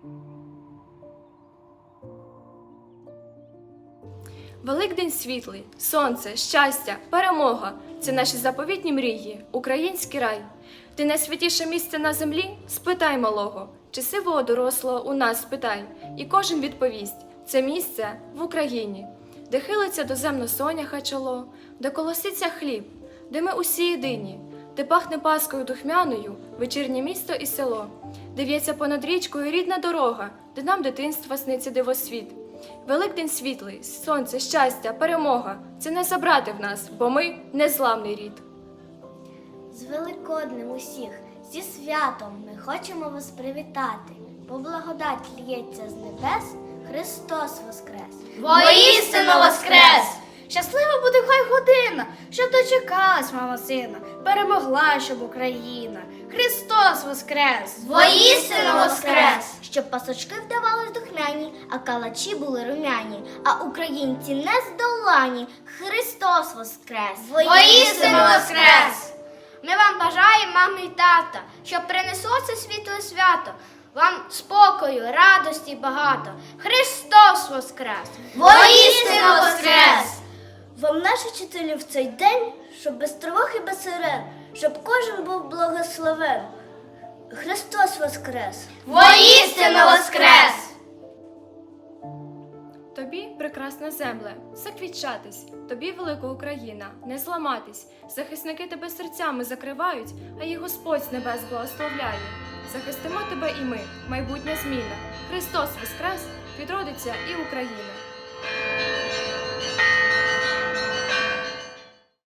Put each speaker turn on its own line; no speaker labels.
Великдень світлий, сонце, щастя, перемога – це наші заповітні мрії, український рай. Ти найсвятіше місце на землі? Спитай малого, чи сивого дорослого у нас спитай. І кожен відповість – це місце в Україні, де хилиться доземно соняха чоло, де колоситься хліб, де ми усі єдині, де пахне паскою духмяною вечірнє місто і село, де в'ється понад річкою рідна дорога, де нам дитинства сниться дивосвіт. Великдень світлий, сонце, щастя, перемога – це не забрати в нас, бо ми – незламний рід.
З Великоднем усіх, зі святом ми хочемо вас привітати, бо благодать лється з небес, Христос воскрес!
Воістину воскрес! Щаслива буде хай година, щоб дочекалась мама сина, перемогла, щоб Україна. Христос воскрес!
Воістину воскрес! Щоб пасочки вдавались духмяні, а калачі були румяні, а українці нездолані. Христос воскрес!
Воістину воскрес! Ми вам бажаємо, мами і тата, щоб принесло це світле свято, вам спокою, радості багато. Христос воскрес!
Воістину воскрес! Вам наші вчителі в цей день, щоб без тривог і без сирен, щоб кожен був благословен. Христос воскрес!
Воістину воскрес!
Тобі, прекрасна земле, заквітчатись, тобі, велика Україна, не зламатись. Захисники тебе серцями закривають, а їх Господь з небес благословляє. Захистимо тебе і ми, майбутня зміна. Христос воскрес, відродиться і Україна.